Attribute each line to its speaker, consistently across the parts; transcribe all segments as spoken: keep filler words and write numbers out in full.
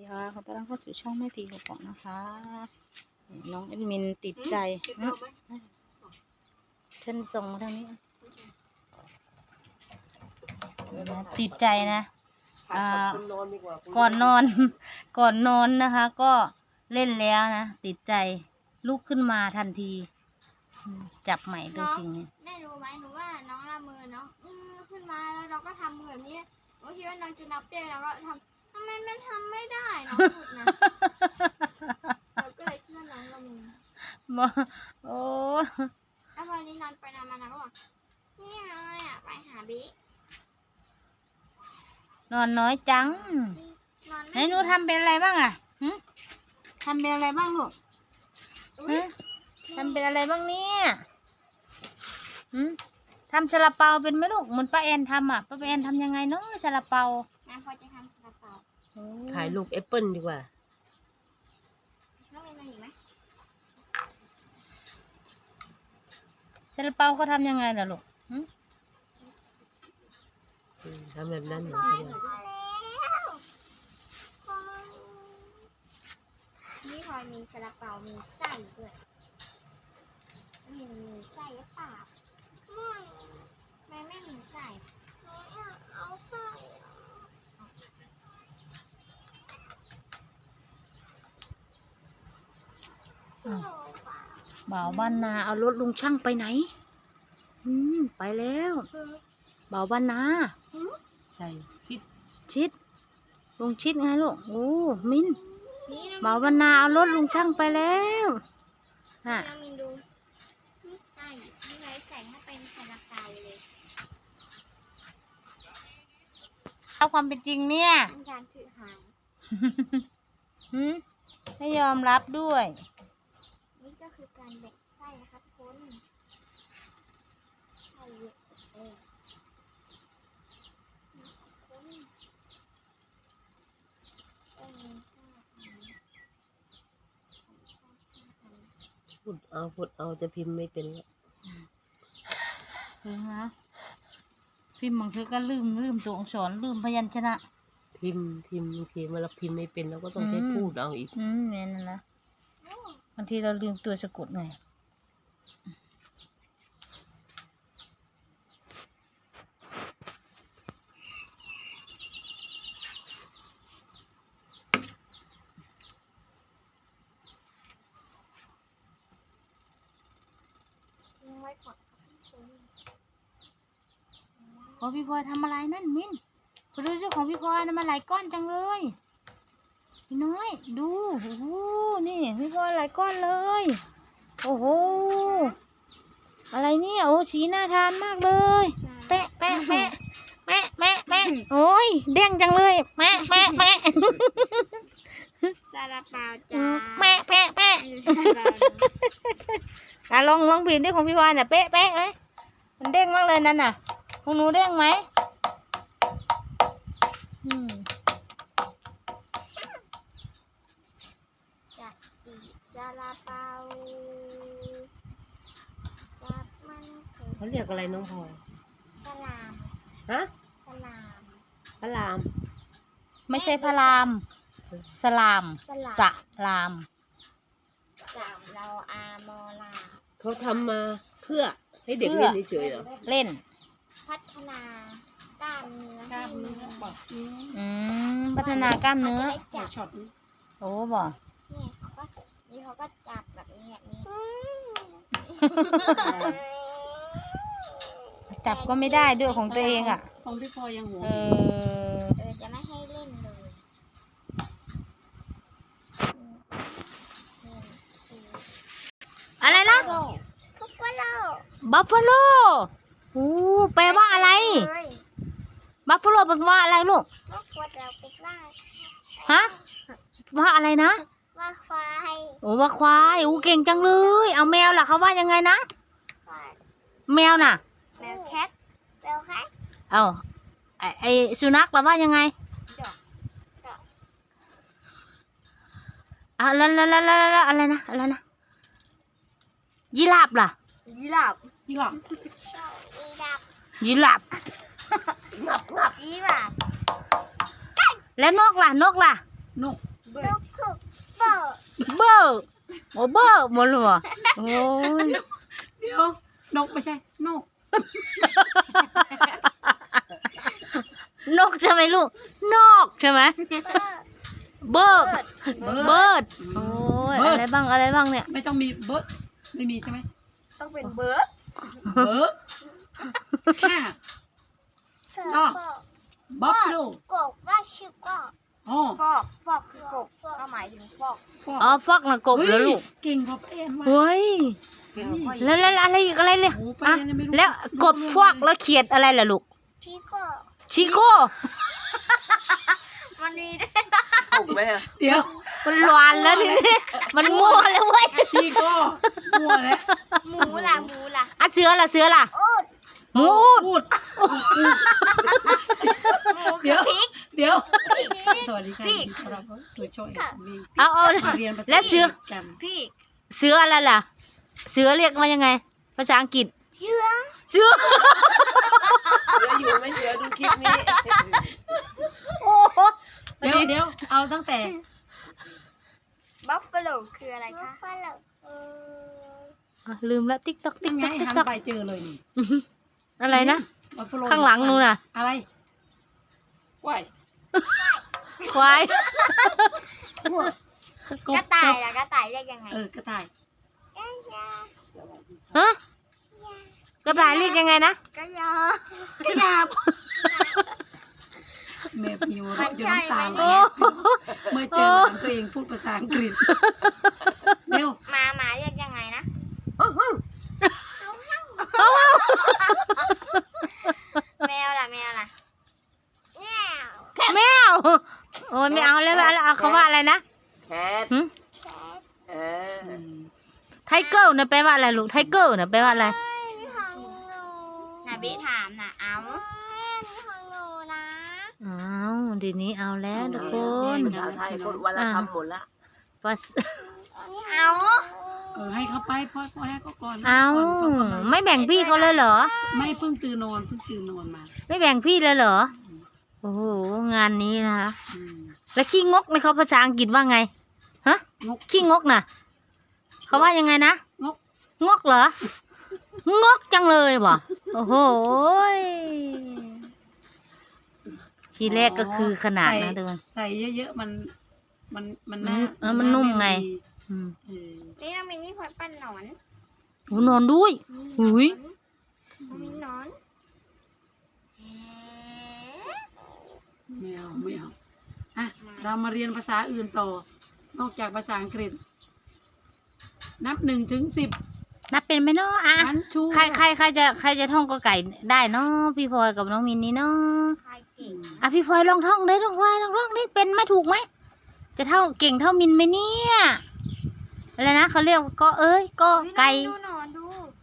Speaker 1: ค่ะขอต้อนรับเข้าสู่ช่องแม่พีกบนะคะน้องแอดมินติดใจฉันส่งมาทางนี้ติดใจนะก่อนนอนก่อนนอนนะคะ ก็เล่นแล้วนะติดใจลุกขึ้นมาทันทีจับใหม่ด้วยสิ่งนี้
Speaker 2: แม่รู้ไหมหนูว่าน้องละมือน้องอือขึ้นมาแล้วเราก็ทำมือแบบนี้หนูคิดว่าน้องจะนับได้แล้วก็ทำทำไมมันทำไม่ได้น้องพูดนะเราก็เลยคิดว่าน้องละมือ
Speaker 1: มาโอ้
Speaker 2: แล้วพอนี้นอนไปนอนมาน้องก็บอกนี่เลยอ่ะไปหาบิ๊ก
Speaker 1: นอนน้อยจังไหนหนูทำเป็นอะไรบ้างอ่ะหึทำเป็นอะไรบ้างลูกฮะทำเป็นอะไรบ้างเนี่ยหืมทำซาลาเปาเป็นไหมลูกเหมือนป้าแอนทำอ่ะป้าแอนทำยังไงเนาะซาลาเปา
Speaker 2: แม่พอจะทำซาลาเปา
Speaker 3: ขายลูกแอปเปิ้ลดีกว่า
Speaker 2: น้องมีอะไรอีกไหม
Speaker 1: ซาลาเปาเขาทำยังไงล่ะลูกหืม
Speaker 3: ทำแบบนั้นเหรอ
Speaker 2: นี่พลอยมีซาลาเปามีไส้ด้วยมีมีไส้หรือเปล่าไม่ไม่ไม่มีไส้หนูอยากเอาไส้
Speaker 1: บ่าวบ้านนาเอารถลุงช่างไปไหนอืมไปแล้วบ่าวบ้านนา
Speaker 3: ใช่ชิด
Speaker 1: ชิดลุงชิดไงลูกโอ้มินบ่าวบ้านนาเอารถลุงช่างไปแล้วฮะ
Speaker 2: มินดูใส่นี่ไงใส่ให้เป็นซาลาเปาเลย
Speaker 1: เอาความเป็นจริงเนี่ย
Speaker 2: การถือหาย
Speaker 1: หืมให้ยอมรับด้วย
Speaker 2: นี่ก็คือการแบ่งไส้นะคะทุกคนไส้เยอะเอง
Speaker 3: พูดเอาพูดเอาจะพิมพ์ไม่เป็นแล้ว
Speaker 1: เออฮะพิมพ์บางทีก็ลืมลืมตัวอักษรลืมพยัญชนะ
Speaker 3: พิมพ์พิมพ์บางทีเวลาพิมพ์ไม่เป็นเราก็ต้องใช้พูดเอาอีก
Speaker 1: อืมเนี่ยนั่นนะบางทีเราลืมตัวสะกดไงของพี่พลอยทำอะไรนั่นมินไปดูสิของพี่พลอยนะมันหลายก้อนจังเลยพี่น้อยดูโอ้โหนี่พี่พลอยหลายก้อนเลยโอ้โหอะไรเนี่ยโอ้สีน่าทานมากเลยแปะแปะแปะแปะแปะแปะโอ้ยเด้งจังเลยแปะแปะแปะ
Speaker 2: ซาลาเปาจ้า
Speaker 1: แปะแปะแปะอ่ะลองลองบีบดิของพี่พลอยน่ะเป๊ะแปะไหมมันเด้งมากเลยนั่นน่ะของหนูเด้งไหมอืม
Speaker 2: จะอีซาลาเปาจับมัน
Speaker 3: เขาเรียกอะไรน้องพลอย
Speaker 2: สลาม
Speaker 3: ฮะ
Speaker 2: สลาม
Speaker 3: พระราม
Speaker 1: ไม่ใช่พระรามสลามสลาม
Speaker 2: จับเราอามอลา
Speaker 3: เขาทำมาเพื่อให้เด็กเล่นเฉยๆเหรอ
Speaker 1: เล่น
Speaker 2: พัฒนากล้ามเนื้อกล้ามเนื้อบอก
Speaker 1: อืมพัฒนากล้ามเนื้อ
Speaker 2: ช็อต
Speaker 1: โอ้บ่
Speaker 2: นี่เขาก็นี่เขาก็จับแบบนี้แบบนี้
Speaker 1: จับก็ไม่ได้ด้วยของตัวเองอ่ะ
Speaker 3: ของพี่พลอยยังหัว
Speaker 1: เออ
Speaker 2: เออจะไม่ให้เล่นเลย
Speaker 1: อะไรนะ
Speaker 2: บัฟฟาโล
Speaker 1: บัฟฟาโลโอ้แปลว่าอะไรบัฟฟาโลแปลว่าอะไรลูกฮะว่าอะไรนะ
Speaker 2: ว่าควาย
Speaker 1: โอ้ว่าควายโอ้เก่งจังเลยเอาแมวล่ะเขาว่ายังไงนะแมวน่ะ
Speaker 2: แมวแคทแมวแคท
Speaker 1: เอาไอไอสุนัขล่ะว่ายังไงอ่ะแล้วแล้วแล้วแล้วอะไรนะอะไรนะยีราฟล่ะ
Speaker 2: ยีราฟ
Speaker 3: ยีราฟ
Speaker 1: ยีราฟ
Speaker 3: งับงับ
Speaker 2: ยีราฟ
Speaker 1: แล้วนกล่ะนกล่ะ
Speaker 4: นก
Speaker 2: เบิร์ดคือเบิร์ด
Speaker 1: เบอร์โอ้เบอร์หมดเลยเหรอโอ้ย
Speaker 4: เดี๋ยวนกไม่ใช่นก
Speaker 1: นกใช่ไหมลูกนอกใช่ไหมเบิร์ดเบิร์ดโอ้ยอะไรบ้างอะไรบ้างเนี่ย
Speaker 4: ไม่ต้องมีเบิร์ดไม่มีใช่ไหม
Speaker 2: ต้องเป็นเบิร์ด
Speaker 4: เบิร์ดแค่บัฟฟาโล
Speaker 2: กบว่าชื่อกบ
Speaker 4: อ๋อ
Speaker 2: ฟอกฟอกคือกบก็หมายถึงฟอก
Speaker 1: อ๋อฟอกนะกบแล้วลูก
Speaker 4: เก่งพอเอ็นว่ะ
Speaker 1: เฮ้ยแล้วแล้วอะไรอีกอะไรเนี่ย
Speaker 4: โอ้ไป
Speaker 1: อ่ะ
Speaker 4: เรียนยังไม่รู้
Speaker 1: แล้วกบฟอกแล้วเขียดอะไรล่ะลูก
Speaker 2: พี่ก็
Speaker 1: ชิโก้
Speaker 2: มันมีได้
Speaker 3: ถูกไหมอะ
Speaker 4: เดี๋ยว
Speaker 1: มันหวานแล้วทีนี้มันมั่วแล้วเว้ย
Speaker 4: ชีโก้มัวแล้ว
Speaker 2: หมูล่ะหมูล่ะ
Speaker 1: อ่ะเสือล่ะเสือล่ะ
Speaker 2: อูด
Speaker 1: หมูอูด
Speaker 4: พูด
Speaker 2: หมู
Speaker 4: เดี๋
Speaker 2: คื
Speaker 4: ย
Speaker 2: อ
Speaker 4: ว
Speaker 2: พริก
Speaker 4: เดี๋ยว
Speaker 2: พริก
Speaker 4: สวัสดีค่ะ
Speaker 2: พริก
Speaker 4: เราสวยช่วยวี
Speaker 1: เอาเอา
Speaker 4: เรียนภาษา
Speaker 1: แล้วเสือ
Speaker 4: กัน
Speaker 2: พริก
Speaker 1: เสืออะไรล่ะ เสือเรียกว่ายังไง ภาษาอังกฤษ
Speaker 2: เชื้อ
Speaker 1: เสือ
Speaker 3: เหลืออยู่ไหม่เหลือดูคลิปนี้
Speaker 1: โอ้โห
Speaker 4: เดี๋ยวเดี๋ยวเอาตั้งแต่
Speaker 2: บัฟฟาโลคืออะไรคะบัฟฟาโลเออ
Speaker 1: อ่ะลืมละติ๊กต๊อกติ๊
Speaker 4: ยั
Speaker 1: ก
Speaker 4: งไง
Speaker 1: ต๊อกติ๊ก
Speaker 4: หัน
Speaker 1: ต๊อก
Speaker 4: ไปเจอเลยนี่
Speaker 1: อะไรนะ
Speaker 4: บัฟฟโล
Speaker 1: ข้างหลังนู่นน่ะ
Speaker 4: อะไร
Speaker 3: ว้าย
Speaker 1: ควาย
Speaker 4: ก
Speaker 2: กระต่ายล่ะกระต่ายเรียกยังไง
Speaker 4: เออกระต่าย
Speaker 1: ฮะกระต่ายเรียกยังไงนะ
Speaker 2: กระยาก
Speaker 4: ระยาบแม่พิวเราะอยู่น้ำตาไหล
Speaker 1: โอ้
Speaker 4: เมื่อเจอหลานตัวเองพูดภาษาอังกฤษเร็ว
Speaker 2: หมาหมาเรียกยังไงนะแมวล่ะแมวล่ะแมว
Speaker 1: แมวโอ้ยไม่เอาแล้วไม่เอาแล้วเอาเขาว่าอะไรนะ
Speaker 3: แคท
Speaker 1: หึ
Speaker 2: แคท
Speaker 3: เออ
Speaker 1: ไทเกอร์เนี่ยแปลว่าอะไรลูกไทเกอร์เนี่ยแปลว่าอะไร
Speaker 2: นี่ของหนูน่ะบิถามน่ะเอานี่ของหนูนะ
Speaker 1: อ้าวเดี๋ยวนี้เอาแล้วทุกคน
Speaker 3: ภาษาไทยคนวันละคำหมดละ
Speaker 1: ภาษ
Speaker 2: เอา
Speaker 4: เออให้เขาไปพ่อพ่อให้เขาก่อน
Speaker 1: เอา
Speaker 4: ก่นก่อน
Speaker 1: ไม่แบ่งพี่เขาเลยเหรอ
Speaker 4: ไม่เพิ่งตื่นนอนเพิ่งตื่นนอนมา
Speaker 1: ไม่แบ่งพี่เลยเหรอ โอ้โห งานนี้นะคะ
Speaker 4: อืม
Speaker 1: แล้วขี้งกในเขาภาษาอังกฤษว่าไง ฮะ
Speaker 4: งก
Speaker 1: ขี้งกน่ะ เขาว่ายังไงนะ
Speaker 4: งก
Speaker 1: งกเหรอ งกจังเลยว่ะ โอ้โหยทีแรกก็คือขนาดนะทุกคน
Speaker 4: ใส่เยอะๆมัน มันมัน
Speaker 1: มัน
Speaker 4: น่า
Speaker 1: เออมันนุ่มไง อืม
Speaker 4: เออ
Speaker 2: นี่เรามีนี่พอปั้นหนอน
Speaker 1: โหนอนด้วย หุย
Speaker 2: มีหนอน
Speaker 4: ไม่เอาไม่เอาอ่ะเรามาเรียนภาษาอื่นต่อ นอกจากภาษาอังกฤษ นับหนึ่งถึงสิบ
Speaker 1: นับเป็นไหมเนาะอ่ะ
Speaker 4: อันชู
Speaker 1: ใครใครใครจะใครจะท่องกอไก่ได้เนาะพี่พลอยกับน้องมินนี่เนาะ
Speaker 2: ใครเก่ง
Speaker 1: อ่ะพี่พลอยลองท่องได้ลองพลอยลองท่องได้เป็นไหมถูกไหมจะเท่าเก่งเท่ามินไหมเนี่ยอะไรนะเขาเรียกว่าก็เอ้ยก็ไก่
Speaker 2: ดูหนอนดู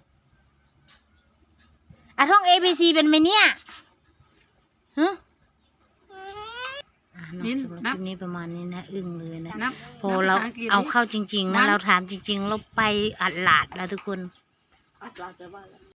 Speaker 1: อ่ะท่อง A B C เป็นไหมเนี่ยฮะอ่ะเนาะ
Speaker 4: มิน
Speaker 1: สำหรับ
Speaker 4: นั
Speaker 1: ค
Speaker 4: บ
Speaker 1: ลิปนี้ประมาณนี้นะอึ้งเลยนะ
Speaker 4: นับ
Speaker 1: พอ
Speaker 4: นับ
Speaker 1: เรา
Speaker 4: ภษงกฤษ
Speaker 1: เอา
Speaker 4: ดิ
Speaker 1: เข้าจริง ๆ นะ
Speaker 4: วัน
Speaker 1: เราถามจริง ๆ เราไปอัดหลาดแล้วทุกคน
Speaker 3: อัดลาจะว่าอะไร